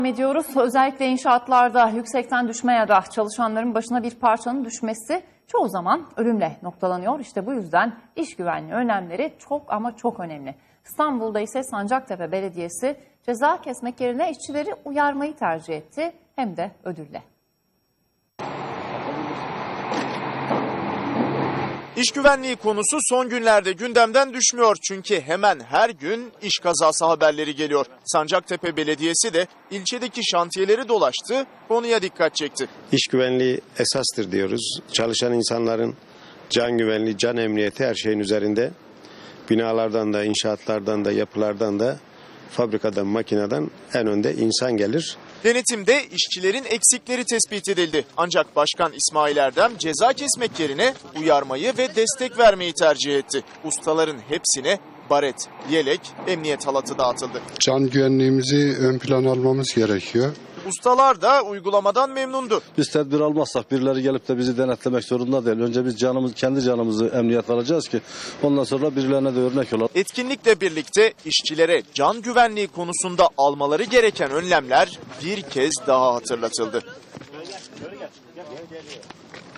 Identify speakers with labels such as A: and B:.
A: Ediyoruz. Özellikle inşaatlarda yüksekten düşme ya da çalışanların başına bir parçanın düşmesi çoğu zaman ölümle noktalanıyor. İşte bu yüzden iş güvenliği önlemleri çok ama çok önemli. İstanbul'da ise Sancaktepe Belediyesi ceza kesmek yerine işçileri uyarmayı tercih etti, hem de ödülle.
B: İş güvenliği konusu son günlerde gündemden düşmüyor çünkü hemen her gün iş kazası haberleri geliyor. Sancaktepe Belediyesi de ilçedeki şantiyeleri dolaştı, konuya dikkat çekti.
C: İş güvenliği esastır diyoruz. Çalışan insanların can güvenliği, can emniyeti her şeyin üzerinde. Binalardan da, inşaatlardan da, yapılardan da, fabrikadan, makineden en önde insan gelir.
B: Denetimde işçilerin eksikleri tespit edildi. Ancak Başkan İsmail Erdem ceza kesmek yerine uyarmayı ve destek vermeyi tercih etti. Ustaların hepsine baret, yelek, emniyet halatı dağıtıldı.
D: Can güvenliğimizi ön plana almamız gerekiyor.
B: Ustalar da uygulamadan memnundu.
E: Biz tedbir almazsak birileri gelip de bizi denetlemek zorunda değil. Önce biz kendi canımızı emniyet alacağız ki ondan sonra birilerine de örnek olalım.
B: Etkinlikle birlikte işçilere can güvenliği konusunda almaları gereken önlemler bir kez daha hatırlatıldı.